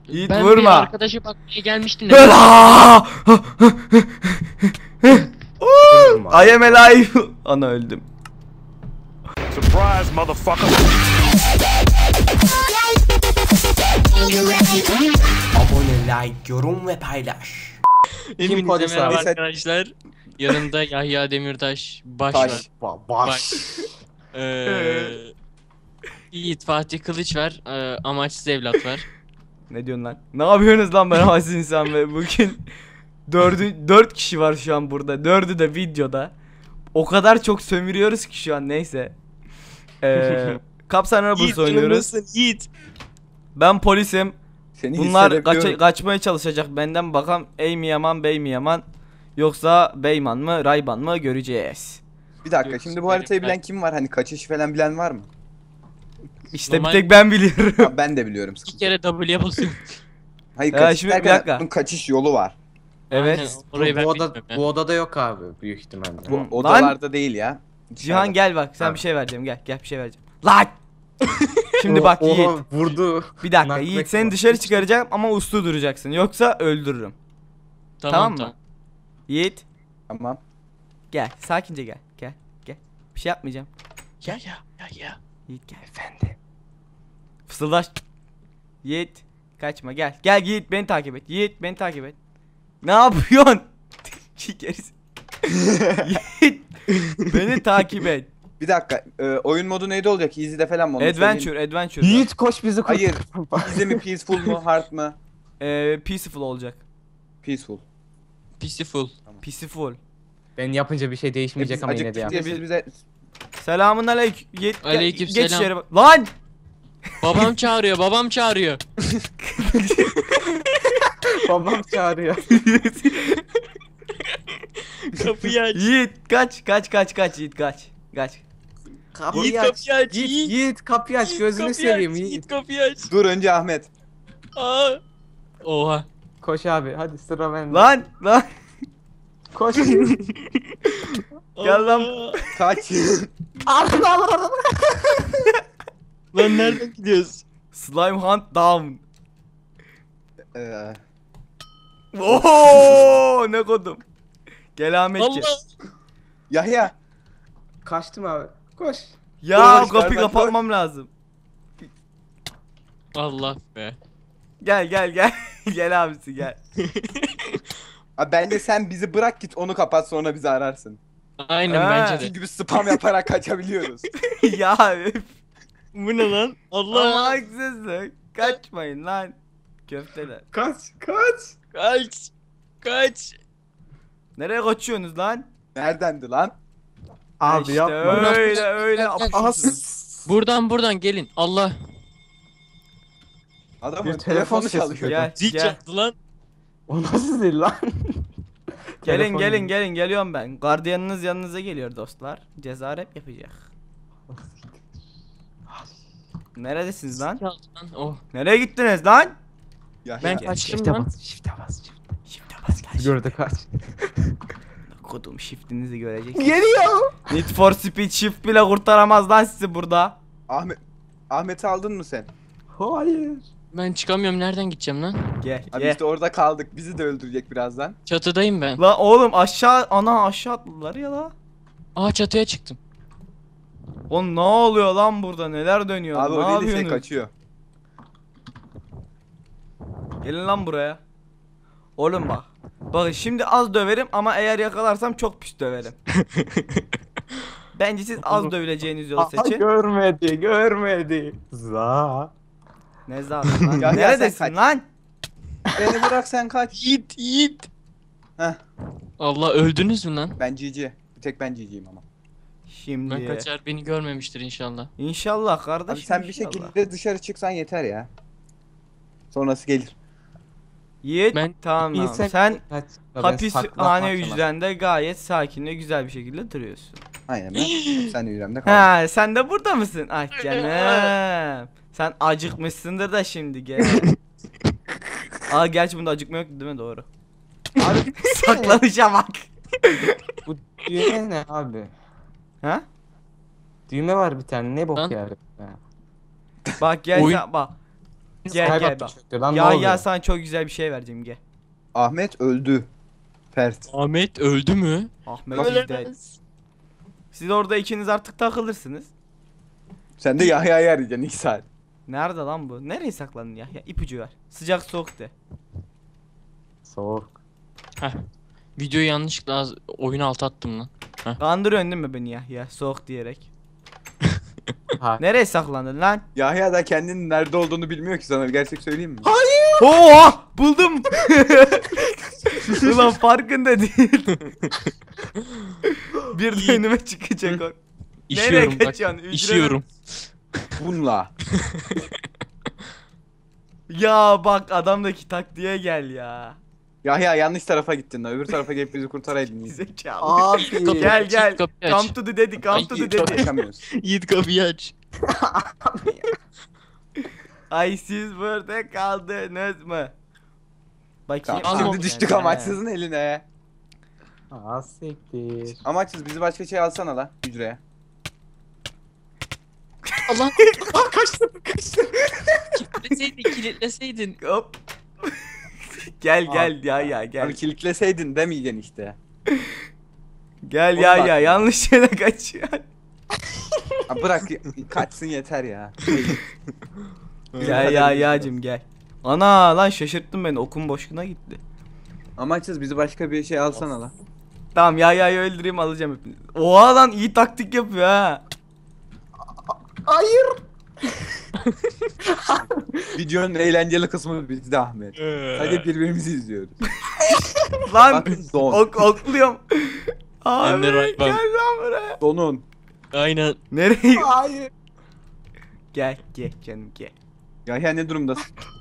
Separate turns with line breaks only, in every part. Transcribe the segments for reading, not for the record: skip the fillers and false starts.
Yiğit
Ben
vurma.
bir arkadaşa bakmaya gelmiştim de.
I am alive. Ana öldüm.
Surprise, motherfucker.
Abone, like, yorum ve paylaş.
Hepinize
polis
merhaba
abi?
arkadaşlar. Yanımda Yahya Demirtaş, Baş var.
Baş.
Yiğit Fatih Kılıç var. Amaçsız evlat var.
Ne diyorsun lan? Ne yapıyorsunuz lan ben havasız insan ve bugün 4 kişi var şu an burada. 4'ü de videoda. O kadar çok sömürüyoruz ki şu an neyse. Kapsan Robbers oynuyoruz.
Yiğit.
Ben polisim.
Seni
Bunlar
hissedebiliyorum.
kaçmaya çalışacak benden, bakalım ey mi yaman bey mi yaman yoksa beyman mı rayban mı göreceğiz.
Bir dakika, şimdi bu haritayı bilen kim var? Hani kaçış falan bilen var mı?
İşte
Normal-
bir tek ben biliyorum.
Ha, ben de biliyorum.
İki kere W'ye basıyorum.
Hayır,
Ya
kaçış
şimdi bir
derken
dakika.
bunun kaçış yolu var.
Evet.
Aynen, orayı ben
bu,
bilmiyorum ya.
bu odada yok abi büyük ihtimalle.
Bu
Lan!
odalarda değil ya.
Cihan gel bak, sen
Ha.
bir şey vereceğim, gel bir şey vereceğim. Lan! Şimdi bak
Oha,
Yiğit.
vurdu.
Bir dakika
Nakmek
Yiğit, seni
var.
dışarı çıkaracağım ama uslu duracaksın. Yoksa öldürürüm. Tamam mı? Yiğit
Tamam.
gel, sakince gel. Gel. Bir şey yapmayacağım.
Ya.
Yiğit gel.
Efendim.
Fısıldaş. Yiğit kaçma, gel. Gel Yiğit, beni takip et. Yiğit beni takip et. Ne yapıyorsun? Gerisi. Yiğit beni takip et.
Bir dakika, oyun modu neydi olacak? Easy'de falan mı? Onu söyleyeyim.
Adventure.
Yiğit koş bizi koş.
Hayır. Easy mi, peaceful mu, hard mı?
Peaceful olacak.
Peaceful.
Peaceful.
Ben yapınca bir şey değişmeyecek
Biz
ama yine de
acıktık
yap.
diye siz bize...
Selamun aleyküm.
Aleyküm
Geç
selam.
içeri bak. Lan!
Babam çağırıyor.
Babam çağırıyor.
Kapıyı aç.
Yiğit kaç Yiğit kaç.
Kapıyı aç. Yiğit kapıyı aç, gözünü seveyim Yiğit.
Kapıyı aç.
Dur, önce Ahmet.
Aa. Oha.
Koş abi, hadi sıra bende.
Lan.
Koş.
Gel lan.
Allah.
Kaç.
Lan nereden gidiyoruz?
Slime hunt down.
Ee,
Oo ne kodum. Gel Ahmetciğim.
Allah.
Yahya.
Kaçtım abi. Koş.
Ya
Koş,
kapıyı
gel,
kapatmam lazım.
Allah be.
Gel. Gel abisi gel.
Abi bence sen bizi bırak, git onu kapat, sonra bizi ararsın.
Aynen
Ha.
bence de.
Çünkü biz spam yaparak kaçabiliyoruz.
Ya üf.
Bu ne lan?
Ama
Allah.
haksızlık. Kaçmayın lan. Köfteler.
Kaç.
Kaç.
Nereye kaçıyorsunuz lan?
Neredendi lan?
Abi
işte
yapma.
öyle
Gel.
apışıyorsunuz.
Buradan gelin. Allah.
Adamın
Bir
telefonu
telefon
çalışıyor.
Gel.
Zil çaldı lan.
O nasıl değil lan? Telefon
Gelin geliyorum ben. Gardiyanınız yanınıza geliyor dostlar. Ceza rap yapacak. Neredesiniz lan?
Çaldı lan. Oh.
Nereye gittiniz lan?
Yahya.
Ben
Gel,
kaçtım
Shift'e
lan.
bas. Shift'e bas.
Shift'e bas gel.
Gördü kaç.
Kodum shift'inizi göreceksiniz.
Geliyor.
Need for Speed shift bile kurtaramaz lan sizi burada.
Ahmet'i aldın mı sen?
Hayır.
Ben çıkamıyorum. Nereden gideceğim lan?
Gel
Abi
gel.
işte orada kaldık. Bizi de öldürecek birazdan.
Çatıdayım ben.
La oğlum aşağı atladılar ya la.
Aa, çatıya çıktım.
Oğlum ne oluyor lan burada, neler dönüyor?
Abi
ne
o değil de şey
yapıyorsunuz?
kaçıyor.
Gelin lan buraya. Oğlum bak. Bakın şimdi az döverim ama eğer yakalarsam çok pis döverim. Bence siz az dövüleceğiniz yolu seçin.
Görmedi. Za.
Ne zaten lan?
Ya, sen
Neredesin
kaç.
lan?
Beni bırak, sen kaç.
Yiğit.
Heh,
Allah, öldünüz mü lan?
ben GG. Bir tek ben GG'yim ama.
Şimdi.
Ben kaçar, beni görmemiştir inşallah.
İnşallah kardeşim.
Abi sen bir
inşallah.
şekilde dışarı çıksan yeter ya. Sonrası gelir.
Yiğit
Ben-
tamam. Sen
Kaç.
hapishane hücrende gayet sakin ve güzel bir şekilde duruyorsun.
Aynen ben. Sen de yüreğimde kaldın.
Ha, sen de burada mısın? Ah canım. Sen acıkmışsındır da şimdi gel. Aa gerçi bunda acıkma yoktu değil mi? Doğru.
Abi
Saklanışa bak.
bu düğme ne abi?
Ha?
Düğme var bir tane, ne bok
Lan.
yani.
Bak gel
Oyun-
sen bak. Gel gel.
Kaybettim çöktü lan, ne
Ya
oluyor?
sana çok güzel bir şey vereceğim gel.
Ahmet öldü. Fert.
Ahmet öldü mü?
Ahmet is dead.
Ölemez.
Siz orada ikiniz artık takılırsınız.
Sen de Yahya'yı arayacaksın 2 saat.
Nerede lan bu? Nereye saklandın ya? İpucu ver. Sıcak soğuk de.
Soğuk.
Videoyu yanlışlıkla oyun altı attım lan.
Kandırıyorsun değil mi beni ya soğuk diyerek.
Ha.
Nereye saklandın lan?
Yahya da kendinin nerede olduğunu bilmiyor ki, sana bir gerçek söyleyeyim mi?
Oo buldum. Ulan farkında değil. Bir de önüme çıkacak o.
İşiyorum
Nereye
bak.
kaçıyorsun? Ücret-
İşiyorum.
Bununla.
Ya bak adamdaki taktiğe gel ya.
Yahya yanlış tarafa gittin lan. Öbür tarafa gelip bizi kurtaraydın.
Zekalı.
Abi.
Gel gel.
Kapıyı
Come
aç.
to the daddy, come to the daddy.
Kaçamıyoruz.
Yiğit kapıyı aç.
Ay siz burada kaldınız mı? Bakayım.
Tamam,
Almam
şimdi düştük
yani.
amaçsızın eline.
Aa siktir.
Amaçsız bizi başka şey alsana la hücreye.
Allah
Kaçtım.
kilitleseydin.
Hop. Gel ya gel.
Abi kilitleseydin demeyeceksin işte.
Gel
Onu
ya
bak.
yanlış yere kaçıyor.
Abi bırak kaçsın yeter ya.
Gel ya yacım gel. Ana lan şaşırttın beni okum boşluğuna gitti.
Amaçsız bizi başka bir şey alsana la.
Tamam ya öldüreyim alacağım hepinizi. Oha lan iyi taktik yapıyor ha.
Hayır.
Videonun eğlenceli kısmı bizde Ahmet. Sadece birbirimizi izliyoruz.
Lan
Bakın don.
okluyorum. Abi
Ben de
gel
right back.
lan buraya.
Donun.
Aynen.
Nereye?
Hayır.
Gel canım gel.
Yahya ne durumdasın?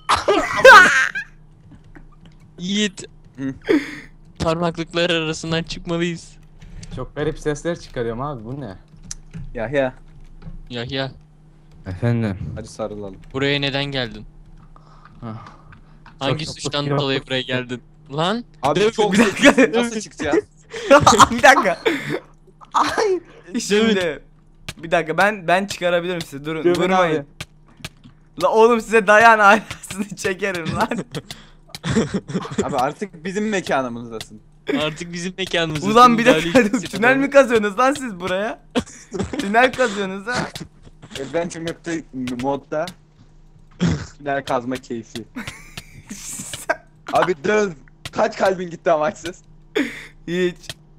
Yiğit.
Hı.
Parmaklıklar arasından çıkmalıyız.
Çok garip sesler çıkarıyorum abi, bu ne?
Yahya
Yahya,
Efendim.
hadi sarılalım.
buraya neden geldin? Hangi
Çok
suçtan
yok.
dolayı buraya geldin? Lan?
Abi çok
Bir dakika.
zekisin, nasıl çıkacağız?
Bir dakika.
Ay.
Şimdi bir dakika ben çıkarabilirim sizi. Durun
Dövün
vurmayın.
abi.
La oğlum size dayan ailesini çekerim lan.
Abi artık bizim mekanımızdasın.
Artık bizim mekanımız.
Ulan bir dakika tünel mi kazıyorsunuz lan siz buraya? Tünel kazıyorsunuz ha.
Adventure Map'te modda tünel kazma keyfi. Abi dön. Kaç kalbin gitti amaçsız?
Hiç.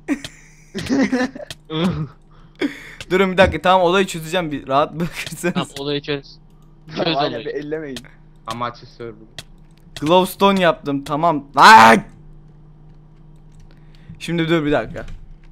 Durun bir dakika tamam olayı çözeceğim bir rahat bırakırsanız.
Tamam, olayı çöz. Çöz
Aynen, bir
olayı.
ellemeyin.
Amaçlı server.
Glowstone yaptım tamam. Lan! Şimdi dur bir dakika.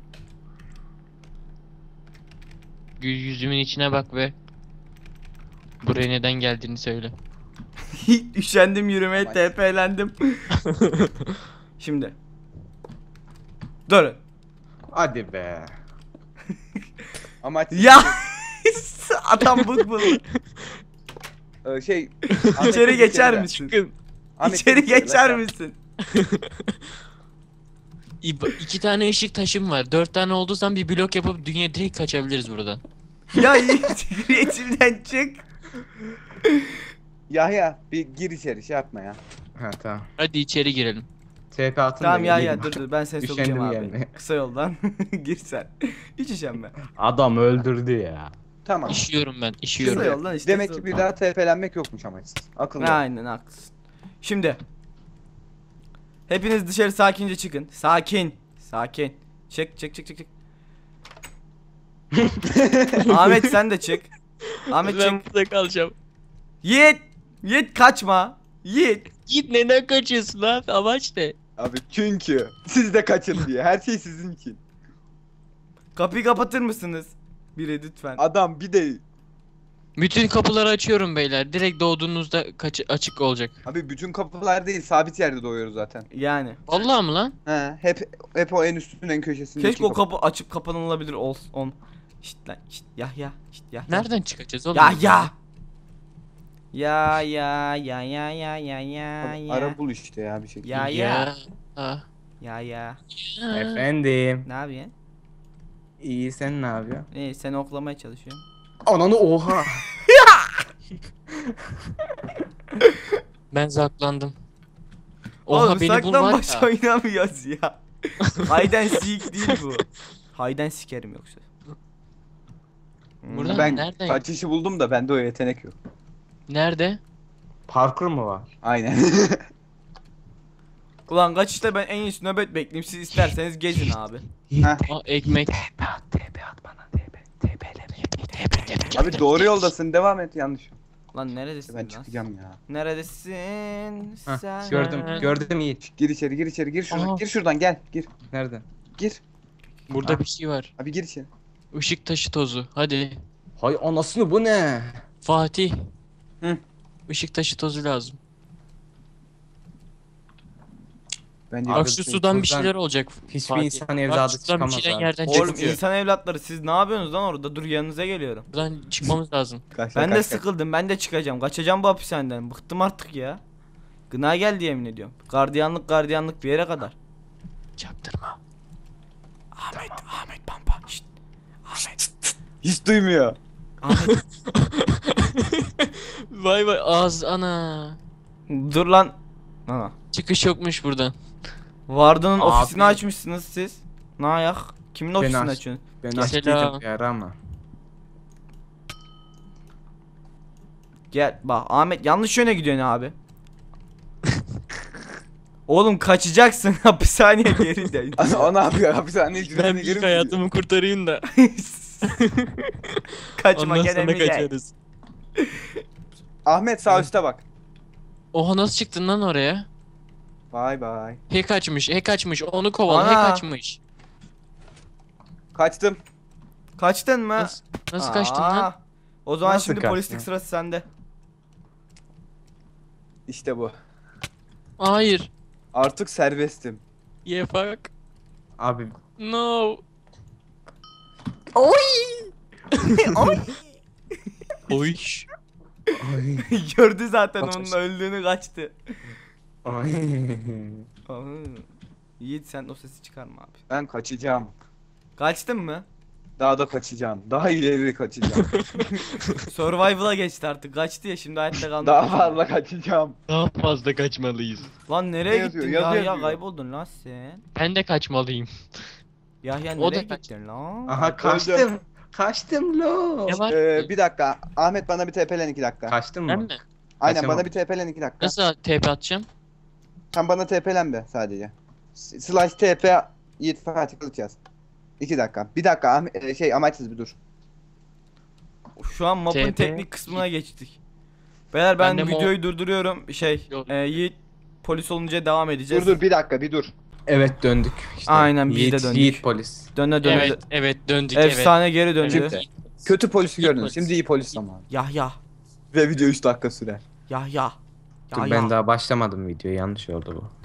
Yüzümün içine bak ve buraya neden geldiğini söyle.
Üşendim yürümeye
Bak.
TP'lendim. Şimdi. Durun.
Hadi be.
Amaç
Ya adam bu.
şey
İçeri geçer misin?
Çıkın.
Ahmet,
İçeri
bir kere
geçer
lan.
misin?
İki tane ışık taşım var. 4 tane olduysan bir blok yapıp dünya direkt kaçabiliriz buradan.
Ya içimden çık.
Yahya bir gir içeri, şey yapma ya.
Ha tamam.
Hadi içeri girelim.
TP atın
Tamam
da
ya
geleyim.
dur ben seni
Üşendim
sokacağım abi.
gelmeye.
Kısa yoldan gir sen. Hiç üşenme.
Adam öldürdü ya.
Tamam.
İşiyorum ben,
Kısa
işiyorum.
yoldan işte.
Demek ki bir daha TP'lenmek yokmuş amaçsız. Akıllı.
Aynen haklısın. Şimdi. Hepiniz dışarı sakince çıkın. Sakin. Sakin. Çık. Ahmet sen de çık. Ahmet
Ben
çık.
burada kalacağım.
Yiğit kaçma. Yiğit.
Git, neden kaçıyorsun lan? Amaç ne?
Abi çünkü siz de kaçın diye. Her şey sizin için.
Kapıyı kapatır mısınız? Biri lütfen.
Adam bir de
Bütün kapıları açıyorum beyler. Direkt doğduğunuzda açık olacak.
abi bütün kapılar değil, sabit yerde doğuyoruz zaten.
Yani.
Vallahi mı lan?
He, hep o en üstün en köşesindeki
Keşke o kapı açıp kapanılabilir olsun. Şşt lan şşt ya. Şşt ya.
Nereden çıkacağız oğlum?
Ya.
Ara bul işte ya bir şekilde.
Ya.
Ah.
Ya.
Efendim.
Ne yapıyorsun?
İyi, sen ne yapıyorsun?
Seni oklamaya çalışıyorum.
Ananı oha.
Ben saklandım.
Oğlum
Oha beni bul var
saklambaç
ya.
oynamıyoruz ya. Hayden seek değil bu. Hayden sikerim yoksa.
Burada-
Ben
Nereden?
kaçışı buldum da bende o yetenek yok.
Nerede?
Parkur mu var?
Aynen.
Ulan kaçışta ben en iyisi nöbet bekleyeyim. Siz isterseniz gezin abi.
Aa ekmek.
Abi doğru yoldasın, devam et, yanlış.
Lan neredesin
Ben
lan?
çıkacağım ya.
Neredesin
Hah,
sen?
gördüm Yiğit.
Gir içeri, gir içeri, gir şuradan.
Aha.
Gir şuradan, gel. Gir.
Nerede?
Gir.
Burada bir şey var.
Abi gir içeri.
Işık taşı tozu. Hadi.
Hay anasını bu ne?
Fatih.
Hı.
Işık taşı tozu lazım.
Bence
Abi,
Bak şu sudan bir
tozdan
şeyler olacak.
Hiçbir
Fatih.
insan
Bak
evladı
şuradan bir
çıkamaz
şeyler
abi.
yerden
Oğlum
çıkıyor.
insan evlatları siz ne yapıyorsunuz lan orada? Dur yanınıza geliyorum.
Buradan çıkmamız lazım.
Kaç,
Ben
kaç,
de
kaç.
sıkıldım. Ben de çıkacağım. Kaçacağım bu hapishaneden. Bıktım artık ya. Gına geldi yemin ediyorum. Gardiyanlık bir yere kadar.
Çaktırma.
Ahmet Pampa. Şşt. Ahmet.
Hiç duymuyor.
Ahmet.
Vay vay ağız ana.
Dur lan. Ana.
Çıkış yokmuş buradan.
Varda'nın
Abi.
ofisini açmışsınız siz. Ne ayak? Kimin ofisini
aç-
açıyorsun?
Ben
Selam.
açtıydım bir ara ama.
Gel bak Ahmet yanlış yöne gidiyorsun abi. Oğlum kaçacaksın hapishaneye geri dön.
O ne yapıyor? Hapishaneye
Ben
ücretini
ilk
geri mi
hayatımı kurtarayım da.
Kaçma
Ondan
gene
sonra
mi gel?
kaçarız.
gidiyor? Ahmet sağ üstte bak.
Oha nasıl çıktın lan oraya?
Bay bay.
Hack açmış. Onu kovala.
Ana.
Hack açmış.
Kaçtım.
Kaçtın mı?
Nasıl kaçtın lan?
Aa, o zaman
Nasıl
şimdi
kaçtın?
polislik sırası sende.
İşte bu.
Hayır.
Artık serbestim.
Yeah fuck.
Abi
No. Oy.
Gördü zaten
Kaç-
onun öldüğünü kaçtı.
Ay.
Aa, Yiğit sen o sesi çıkarma abi.
Ben kaçacağım.
Kaçtın mı?
Daha da kaçacağım. Daha ileri kaçacağım.
Survival'a geçti artık. Kaçtı ya şimdi hayatta kalmak.
Daha fazla kaçacağım.
Daha fazla kaçmalıyız.
Lan nereye
Ne yazıyor?
gittin?
Yazı
Yahya
yazıyor.
kayboldun lan sen.
Ben de kaçmalıyım.
Yahya
O da
nereye
kaç-
gittin lan?
Aha kaçtım. Kaçtım lo.
Ne var?
Bir dakika. Ahmet bana bir TP'len 2 dakika.
Kaçtın
Ben
mı?
mi?
Aynen
Kaçamam.
bana bir TP'len 2 dakika.
Nasıl TP atacağım?
Sen bana TP'len be sadece. Slash TP Yiğit Fatih Kılıç yaz. 2 dakika. Bir dakika Ahmet, amaçsız bir dur.
Şu an mapın
TP.
teknik kısmına geçtik. Beyler ben
Ben de
videoyu durduruyorum.
Yok.
Yiğit polis olunca devam edeceğiz.
Dur bir dakika bir dur.
Evet döndük. İşte.
Aynen, biz de
Yiğit,
döndük.
Yiğit polis.
Döne
Evet, evet döndük evet.
Efsane geri döndü.
Evet.
Kötü polisi
İyi
gördünüz.
polis.
Şimdi iyi polis zamanı.
Yahya.
Ve video 3 dakika sürer.
Yahya.
Dur ben daha başlamadım videoya, yanlış oldu bu.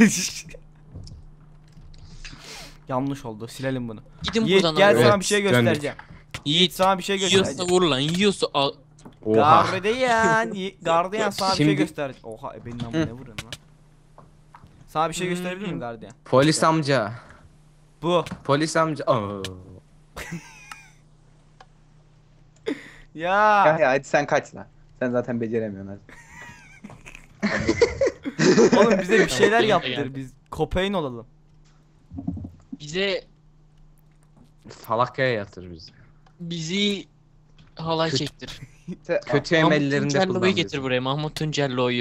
Yanlış oldu. Silelim bunu.
Gidin
Yiğit
buradan
gel
abi.
sana
Evet,
bir şey
döndük.
göstereceğim.
Yiğit
Sana bir şey
yiyorsa
göstereceğim.
vur lan. Yiyorsa al.
Oha.
Gardiyan sana bir şey
Şimdi-
göstereceğim. Oha benim namı ne vuruyorsun lan? Sana bir şey gösterebilir miyim gardiyan?
Polis amca.
Bu.
Polis amca. Oo.
Ya.
Ya hadi sen kaç lan. Sen zaten beceremiyorsun hadi.
Oğlum bize bir şeyler
Benim de
yaptır
geldi.
biz. Kopein olalım.
Bize
Falakaya yatır bizi.
bizi halay
Kötü-
çektir.
Kötü
Mahmut
emellerinde
Tuncello'yu
kullan
getir
bizi.
buraya. Mahmut Tuncello'yu.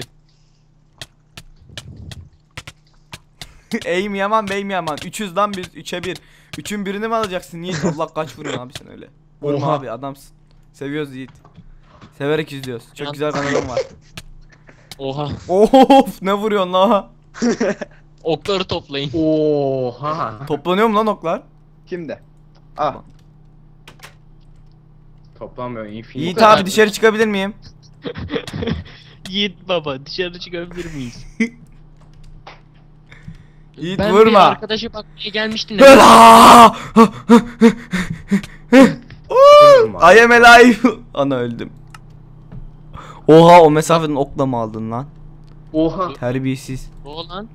Eğim yaman beyim yaman. 300 lan biz 3'e 1. 3'ün birini mi alacaksın Yiğit? Allah kaç vuruyorsun abi sen öyle. Vurma
Oha.
abi adamsın. Seviyoruz Yiğit. Severek izliyoruz. Çok
Yan-
güzel kanalım var.
Oha.
Of ne vuruyorsun la?
Okları toplayın.
Oha.
Toplanıyor mu lan oklar?
Kimde? Ah.
Toplamıyor. Infinite.
Yiğit
kadar.
abi dışarı çıkabilir miyim?
Yiğit baba dışarı çıkabilir miyiz?
Yiğit
Ben bir
vurma.
arkadaşa bakmaya gelmiştim.
Aa!
Vurma.
I am alive. Ana öldüm. Oha o mesafeden okla mı aldın lan?
Oha.
Terbiyesiz.
O lan.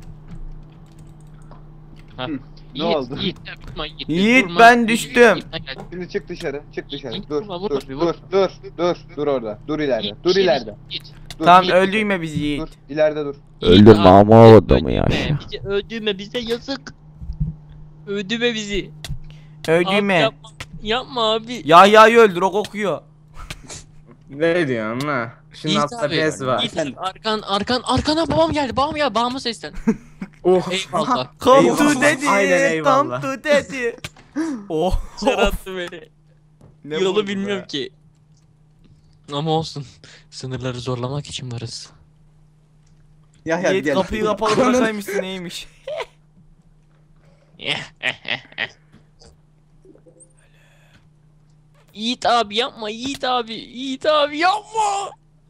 Ha.
Hı, ne
Yiğit,
oldu?
Yiğit, yapma, Yiğit,
Yiğit,
vurma.
ben düştüm.
Yiğit, gel.
Şimdi çık dışarı. Çık dışarı.
Yiğit,
Dur.
vurma, vurma,
Dur.
vurma.
Dur. Dur. Dur orada. Dur ileride.
Yiğit,
Dur
şey
ileride.
Yiğit.
Dur,
Tamam
Yiğit.
öldürme bizi
Dur
Yiğit.
ileride dur.
Öldürme ama o adamı ya.
Öldürme bize yazık. Öldürme bizi. Abi
Öldürme.
yapma. Yapma abi.
Yahya'yı öldür o kokuyor.
Ne diyorsun lan? Şunun
Yiğit
altta
abi.
bez var.
Yiğit abi, arkana babam geldi. Babam geldi. Babama seslen.
Oh.
Eyvallah.
Come
Eyvallah.
to daddy.
Aynen,
Come
eyvallah.
to daddy. Oh.
Çarattı beni.
Ne
Yolu
vurdu
bilmiyorum
be?
ki. Ama olsun. Sınırları zorlamak için varız.
Yahya bir
Yiğit
gel.
kapıyı kapalı bırakaymışsın neymiş?
Yiğit abi yapma. Yiğit abi. Yiğit abi yapma.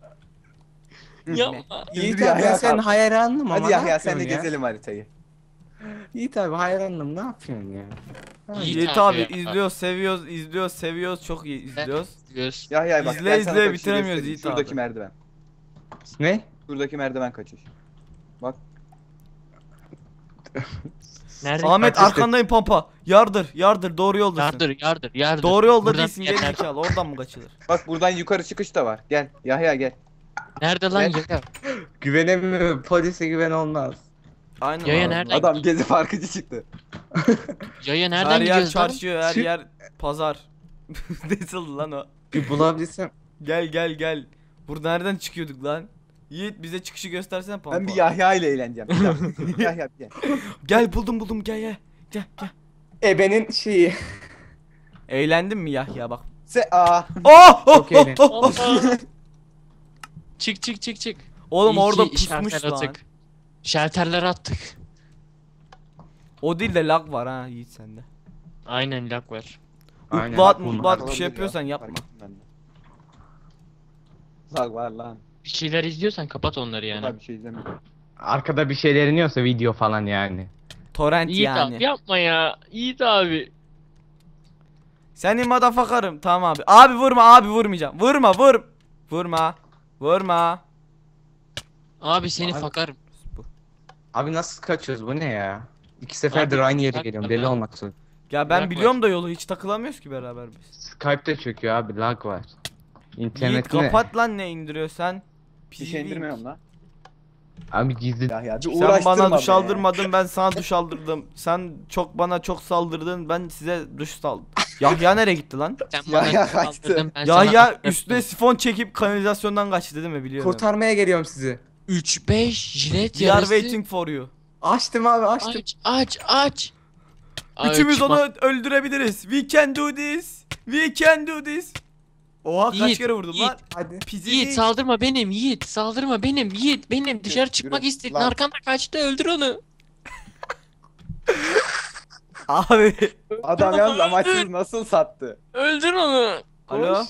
Yapma.
Yiğit
Yahya
abi ben senin
kalk.
hayranım ama
Hadi
ne
Yahya sen de
yapıyorsun ya?
gezelim haritayı.
Yiğit abi hayranım ne yapıyorsun ya?
Yiğit abi izliyoruz seviyoruz izliyoruz seviyoruz çok iyi izliyoruz.
Göz.
Yahya bak
İzle,
gel sana
izle,
kaçışı
bitiremiyoruz
göstereyim.
Yiğit
Şuradaki
abi.
merdiven.
Ne?
Şuradaki merdiven kaçış.
Nerede?
Ahmet
kaçış
arkandayım pampa. Yardır doğru yoldasın.
Yardır.
Doğru yolda
Buradan
değilsin
gel,
geri
nerede?
zekalı oradan mı kaçılır?
Bak buradan yukarı çıkış da var. Gel Yahya gel.
Nerede lan
Ne?
yaya?
Güvenemiyorum. Polise güven olmaz.
Aynen.
Yaya
abi.
nereden?
Adam gezi parkıcı çıktı.
Yaya nereden
Her yer
gidiyoruz lan?
çarşı her
Çık.
yer pazar. Nasıl lan o?
Bir bulabilsem.
Gel. Burada nereden çıkıyorduk lan? Yiğit bize çıkışı göstersene pampa.
Ben bir Yahya ile eğleneceğim. Bir dakika. Yahya bir gel.
Gel buldum gel.
Ebenin şeyi.
Eğlendin mi Yahya bak.
Aa.
Oh!
Çok eğlenceli.
Allah. Çık.
Oğlum
İyi
orada
ki
pusmuş
şalter
lan.
attık. Şalterler attık.
O değil de lag var ha Yiğit sende.
Aynen lag var.
Aynen.
Mutbat
Bunlar-
bir şey
Olabilir ya,
yapıyorsan
fark
yapma.
ettim ben de. Lag var lan.
Bir şeyler izliyorsan kapat onları yani.
Daha bir şey izlemiyorum.
Arkada bir şeyler iniyorsa video falan yani.
Torrent
Yiğit
yani.
abi yapma ya. Yiğit abi.
Senin motherfucker'ım tamam abi. Abi vurma abi vurmayacağım. Vurma.
Abi seni
Abi-
fakarım.
Abi nasıl kaçıyoruz bu ne ya? İki seferdir
Abi,
aynı yere
bak-
geliyorum
bak-
deli olmak üzere.
Ya ben
Lag
biliyorum da yolu hiç takılamıyoruz ki beraber biz.
Skype'de çöküyor abi lag var.
Yiğit
İnternet ne?
kapat lan ne indiriyorsan.
Bir şey indirmiyorum lan.
Abi gizli.
Yahya bir
Sen
uğraştırma
bana duş
be.
aldırmadın ben sana duş aldırdım. Sen bana çok saldırdın ben size duş saldım. Yahya nereye gitti lan?
Sen
Yahya
bana
kaçtı.
kaldırdın, ben sana
Yahya
attırdım.
üstüne sifon çekip kanalizasyondan kaçtı değil mi biliyorum.
Kurtarmaya geliyorum sizi.
3-5 jilet
We are
yarısı.
waiting for you.
Açtım abi açtım.
Aç.
Üçümüz
çıkma-
onu öldürebiliriz. We can do this. Oha kaç
Yiğit,
kere vurdum
Yiğit.
lan.
Hadi.
Pizi.
Yiğit saldırma benim Yiğit. Saldırma benim. Dışarı çıkmak
yürü.
istedin.
Lan.
Arkanda kaçtı öldür onu.
Abi.
Adam yalnız amaçsız nasıl sattı?
Öldür onu.
Alo.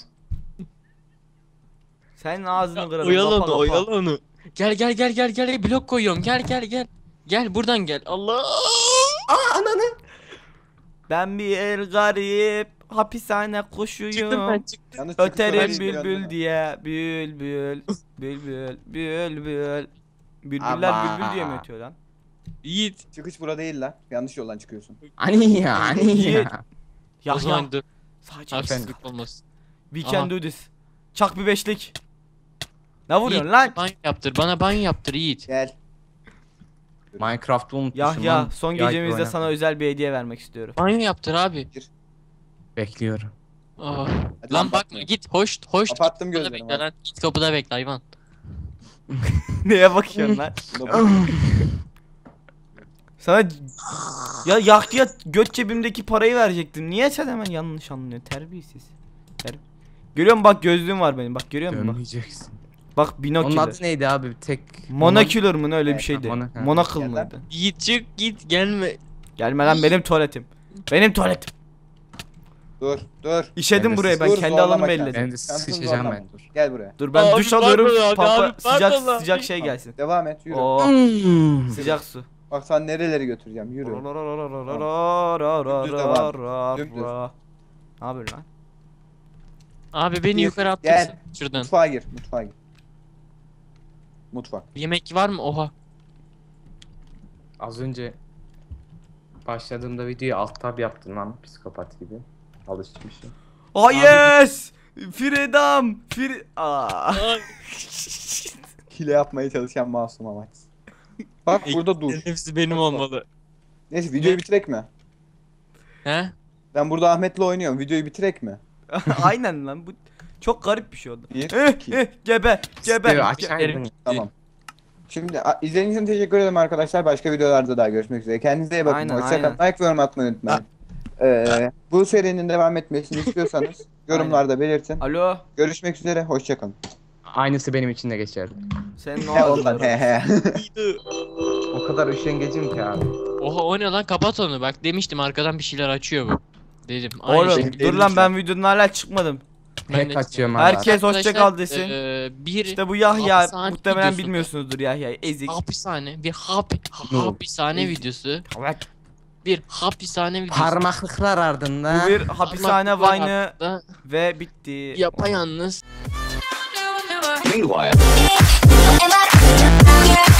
Senin ağzını kırarım.
Oyala
kapa,
onu,
kapa.
oyala onu. Gel blok koyuyorum. Gel. Gel buradan gel. Allah.
Aa ananı.
Ben bir el garip hapishane kuşuyum.
Çıktım.
Yalnız
Öterim
çıkış
bülbül
öğrenci
diye. Bülbül. Bülbüller
Ama.
bülbül diye mi ötüyor lan?
Yiğit.
Çıkış bura değil lan. Yanlış yoldan çıkıyorsun.
Ani ya.
Yiğit.
O
Yahya.
zaman dur.
Sadece
Haksızlık olmasın.
we can
Aha.
do this. Çak bir beşlik. Ne vuruyorsun
Yiğit,
lan?
banyo yaptır. Bana banyo yaptır Yiğit.
Gel.
Minecraft'ı unutmuşum
Yahya
lan.
son
Yahya
gecemizde
oyna.
sana özel bir hediye vermek istiyorum.
Banyo yaptır abi.
Bekliyorum.
Ah.
Hadi
Lan
kapat.
bakma git hoş.
Kapattım
Git kapıda
gözlerimi,
bekle lan. Git kapıda bekle hayvan.
Neye bakıyorsun lan?
Buna bak.
Sana ya Yahya göt cebimdeki parayı verecektim. Niye sen hemen yanlış anlıyorsun? Terbiyesiz. Görüyor musun bak gözlüğüm var benim. Bak görüyor musun bak.
Dönmeyeceksin.
Bak
Onun
binoküler.
adı neydi abi? Tek.
Monoküler mı ne öyle bir
Evet,
şeydi.
mono-
Monokıl
Gel lan.
mıydı?
Yiğit çık git gelme.
Gelme lan benim tuvaletim. Benim tuvaletim.
Dur.
İşedim
Ben de
buraya ben
dur,
kendi
zorlama
alanımı
kendini.
elledim.
Ben de
Şansın
sıçacağım
zorlama,
ben.
dur. Gel buraya.
Dur ben
Abi,
duş alıyorum.
pardon abi,
Pampa
abi, pardon abi.
sıcak şey gelsin.
Devam et yürü.
Oo
Hmm.
sıcak su.
Bak sana nereleri götüreceğim yürü. Dümdüz Dümdüz.
Ne yapıyorsun lan?
Abi beni
Gir,
yukarı attırsın.
gel.
Şuradan.
Mutfağa gir. Mutfak.
Yemek var mı? Oha.
Az önce başladığımda videoyu alt tab yaptın lan psikopat gibi. Alışmışım.
Oh yes! Firedam. Aa.
Hile yapmaya çalışan masum amaç. Bak burada dur.
Hepsi benim olmalı.
Neyse videoyu bitirek mi?
He?
Ben burada Ahmet'le oynuyorum. Videoyu bitirek mi?
Aynen lan, bu çok garip bir şey oldu.
Bir, iki.
Geber.
Aşağı
Tamam. Şimdi izlediğiniz için teşekkür ederim arkadaşlar. Başka videolarda daha görüşmek üzere. Kendinize iyi bakın.
Aynen,
Hoşçakalın. Like ve yorum atmayı unutmayın. Bu serinin devam etmesini istiyorsanız yorumlarda belirtin.
Alo.
Görüşmek üzere. Hoşçakalın.
Aynısı benim için de geçerli.
Sen ne
He
oldu?
ondan he he.
O kadar üşengecim ki abi.
Oha o ne lan, kapat onu, bak demiştim arkadan bir şeyler açıyor bu. Dedim. Aynı
Oğlum
şekilde.
dur lan, ben videonun hala çıkmadım.
Ben de-
Hack açıyorum abi.
Herkes hoşça
Arkadaşlar,
kal desin.
Bir
İşte bu Yahya,
hapishane
muhtemelen
videosunda-
bilmiyorsunuzdur Yahya'yı, ezik.
hapishane, bir
No.
hapishane videosu. Bir hapishane videosu.
Parmaklıklar ardından.
Bu bir hapishane
Parmaklıklar
Vine'ı
altında
ve bitti.
yapayalnız.
Meanwhile.